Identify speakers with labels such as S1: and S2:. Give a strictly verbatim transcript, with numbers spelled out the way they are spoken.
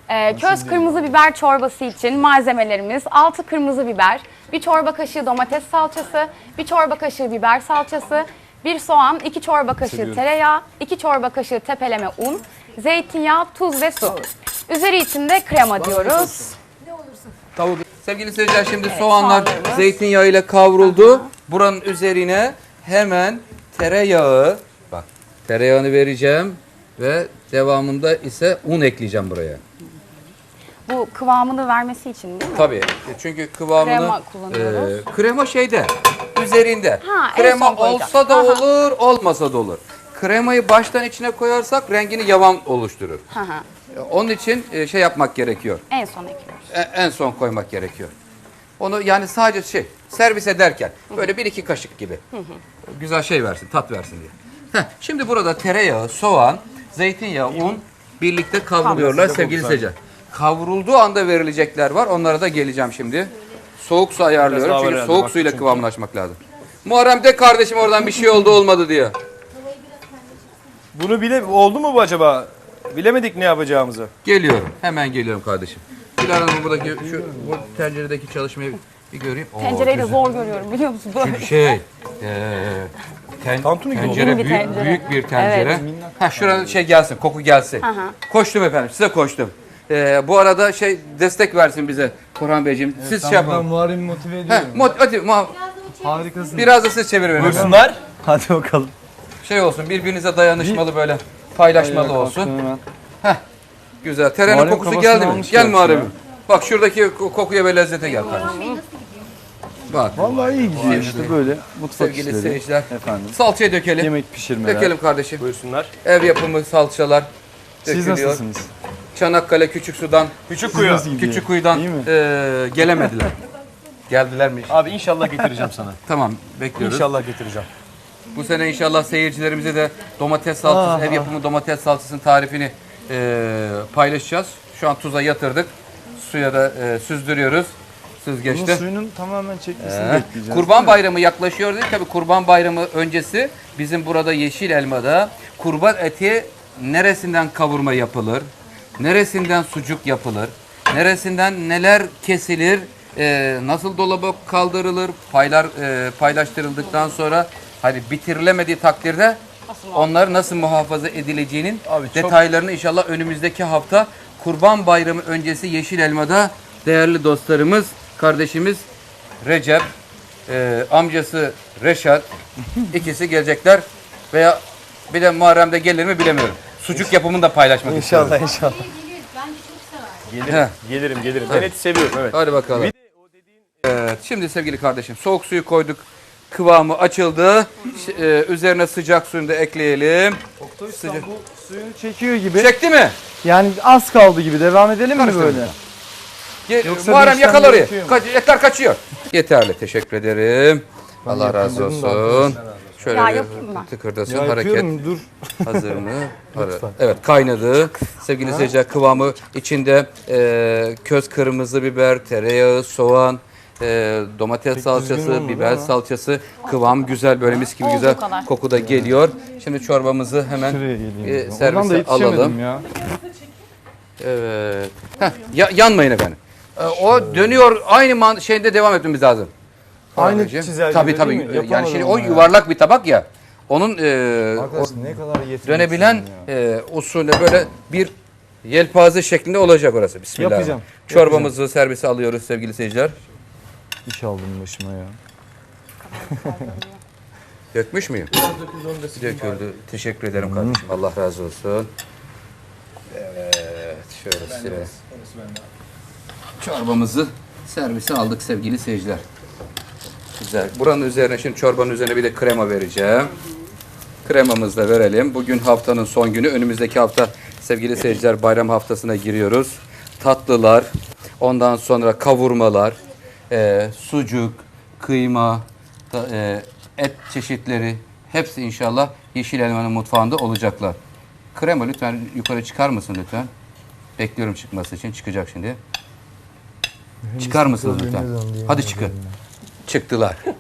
S1: Ee, köz kırmızı biber çorbası için malzemelerimiz altı kırmızı biber, bir çorba kaşığı domates salçası, bir çorba kaşığı biber salçası, bir soğan, iki çorba kaşığı
S2: Seviyorum.
S1: tereyağı, iki çorba kaşığı tepeleme un, zeytinyağı, tuz ve su. Üzeri için de krema diyoruz.
S3: Tavuk. Sevgili seyirciler, şimdi
S1: Evet,
S3: soğanlar
S1: soğanlarımız.
S3: zeytinyağıyla kavruldu. Buranın üzerine hemen tereyağı, bak tereyağını vereceğim ve devamında ise un ekleyeceğim buraya.
S1: Bu kıvamını vermesi için değil mi?
S3: Tabii. Çünkü kıvamını
S1: Krema kullanıyoruz.
S3: e, krema şeyde üzerinde.
S1: Ha, en
S3: Krema
S1: son koyacağız.
S3: olsa da
S1: Aha.
S3: olur, olmasa da olur. Kremayı baştan içine koyarsak rengini yavan oluşturur.
S1: Hı hı.
S3: E, Onun için e, şey yapmak gerekiyor.
S1: En son ekliyoruz.
S3: E, En son koymak gerekiyor. Onu yani sadece şey servis ederken böyle bir iki kaşık gibi. Güzel şey versin, tat versin diye. Heh, şimdi burada tereyağı, soğan, zeytinyağı, un birlikte kavruluyorlar sevgili seyirciler. Kavrulduğu anda verilecekler var. Onlara da geleceğim şimdi. Soğuk su ayarlıyorum
S2: Biraz daha
S3: çünkü
S2: var
S3: soğuk
S2: herhalde,
S3: suyla
S2: bak çünkü.
S3: kıvamlaşmak lazım. Muharrem de kardeşim oradan bir şey oldu olmadı diyor.
S2: Bunu bile oldu mu bu acaba? Bilemedik ne yapacağımızı.
S3: Geliyorum. Hemen geliyorum kardeşim. Dilara Hanım buradaki şu bu tenceredeki çalışmayı bir göreyim. Oo,
S1: Tencereyi de
S3: güzel.
S1: zor görüyorum biliyor musun? Böyle.
S3: Şey, eee ten,
S2: Tantuni gibi
S3: tencere,
S1: oldu.
S3: büyük,
S1: Büyük bir tencere.
S3: büyük bir tencere.
S1: Evet.
S3: Ha şurada şey gelsin, koku gelsin.
S1: Hı hı.
S3: Koştum efendim, size koştum. Eee, bu arada şey destek versin bize Korhan Beyciğim. Siz şey
S4: Ben
S3: yapın.
S4: Muharrem'i motive
S3: Heh,
S4: ediyorum.
S3: mot, hadi, muha-
S4: Harikasın.
S3: biraz da siz çevirin.
S2: Buyursunlar. Hadi bakalım.
S3: Şey olsun, birbirinize dayanışmalı böyle paylaşmalı olsun. Güzel. Terenin
S4: Muharrem
S3: kokusu
S4: kafasını
S3: geldi mi?
S4: almış
S3: Gel
S4: gerçi
S3: Muharrem.
S4: ya.
S3: Bak şuradaki ko- kokuya ve lezzete gel kardeşim. Bak
S4: Vallahi iyi gidiyor işte böyle mutfak
S3: sevgili
S4: işleri.
S3: seyirciler.
S4: Efendim.
S3: Salçayı dökelim.
S4: Yemek pişirmeler.
S3: Dökelim kardeşim.
S2: Buyursunlar.
S3: Ev yapımı salçalar
S4: Siz
S3: dökülüyor.
S4: nasılsınız?
S3: Çanakkale Küçük Su'dan,
S2: Küçük
S4: Siz
S2: kuyu.
S4: nasıl gidiyor?
S3: Küçük Kuyu'dan
S4: İyi mi?
S3: eee, gelemediler. Geldiler mi?
S2: Abi inşallah getireceğim sana.
S3: Tamam, bekliyoruz.
S2: İnşallah getireceğim.
S3: Bu sene inşallah seyircilerimize de domates salçası, ev yapımı domates salçasının tarifini eee, paylaşacağız. Şu an tuza yatırdık. Suya da eee, süzdürüyoruz.
S4: Bunun
S3: Süzgeçte.
S4: suyunun tamamen çekmesini
S3: Ee,
S4: bekleyeceğiz.
S3: Kurban Bayramı yaklaşıyor değil. Tabii Kurban Bayramı öncesi bizim burada Yeşil Elma'da kurban eti neresinden kavurma yapılır, neresinden sucuk yapılır, neresinden neler kesilir, e, nasıl dolaba kaldırılır, paylar e, paylaştırıldıktan sonra hani bitirilemediği takdirde onlar nasıl muhafaza edileceğinin
S2: Abi çok-
S3: detaylarını inşallah önümüzdeki hafta Kurban Bayramı öncesi Yeşil Elma'da değerli dostlarımız, kardeşimiz Recep, e, amcası Reşat ikisi gelecekler veya bir de Muharrem'de gelir mi bilemiyorum. Sucuk yapımını da paylaşmak istiyorum.
S2: İnşallah inşallah. Gelirim,
S3: He.
S2: gelirim, gelirim. Ben eti seviyorum evet.
S3: Hadi bakalım. Evet, şimdi sevgili kardeşim soğuk suyu koyduk. Kıvamı açıldı. Ş- e, üzerine sıcak suyunu da ekleyelim. Sıcak.
S4: Bu suyunu çekiyor gibi.
S3: Çekti mi?
S4: Yani az kaldı gibi. Devam edelim mi
S3: Karıştırın.
S4: böyle?
S3: Ge-
S4: Yoksa
S3: Muharrem
S4: bir işlem
S3: yakal orayı.
S4: gerekiyor mu?
S3: Kaç, etler kaçıyor. Yeterli. Teşekkür ederim. Allah razı
S4: yapayım dedim de
S3: olsun. Şöyle
S1: Ya
S3: bir
S1: yapayım mı?
S3: tıkırdasın
S4: Ya
S3: hareket.
S4: yapıyorum dur.
S3: Hazır mı? Hazır. Evet kaynadı. Sevgili seyirciler kıvamı içinde e, köz kırmızı biber, tereyağı, soğan, e, domates
S4: düzgün
S3: salçası,
S4: olmadı
S3: biber
S4: ama.
S3: salçası. Kıvam güzel böyle mis gibi
S1: Olduğu
S3: güzel
S1: kadar.
S3: koku da geliyor. Şimdi çorbamızı hemen
S4: Şuraya geleyim.
S3: e,
S4: o zaman. Oradan da
S3: servise
S4: yetişemedim
S3: alalım.
S4: ya.
S3: Evet. Heh, ya- yanmayın efendim. E, o dönüyor aynı man- şeyde devam etmemiz lazım.
S4: Aynı
S3: Anneciğim.
S4: çizelgede
S3: Tabii
S4: değil
S3: tabii.
S4: mi?
S3: Yani
S4: Yapamadım
S3: şimdi o
S4: ama ya.
S3: yuvarlak bir tabak ya. Onun e,
S4: Arkadaş ne kadar yetenekli.
S3: dönebilen e, usulü böyle bir yelpaze şeklinde olacak orası. Bismillah.
S4: Yapacağım,
S3: Çorbamızı servise alıyoruz sevgili seyirciler.
S4: İş aldım başıma ya.
S3: Dökmüş müyüm? Döküldü. Teşekkür ederim kardeşim. Allah razı olsun. Evet. Şöyle size. Çorbamızı servise aldık sevgili seyirciler. Güzel. Buranın üzerine şimdi çorbanın üzerine bir de krema vereceğim. Kremamızı da verelim. Bugün haftanın son günü. Önümüzdeki hafta sevgili seyirciler bayram haftasına giriyoruz. Tatlılar, ondan sonra kavurmalar, e, sucuk, kıyma, da, e, et çeşitleri hepsi inşallah Yeşil Elma'nın mutfağında olacaklar. Krema lütfen yukarı çıkar mısın lütfen? Bekliyorum çıkması için. Çıkacak şimdi. Çıkar mısınız lütfen? Hadi çıkın. Çıktılar.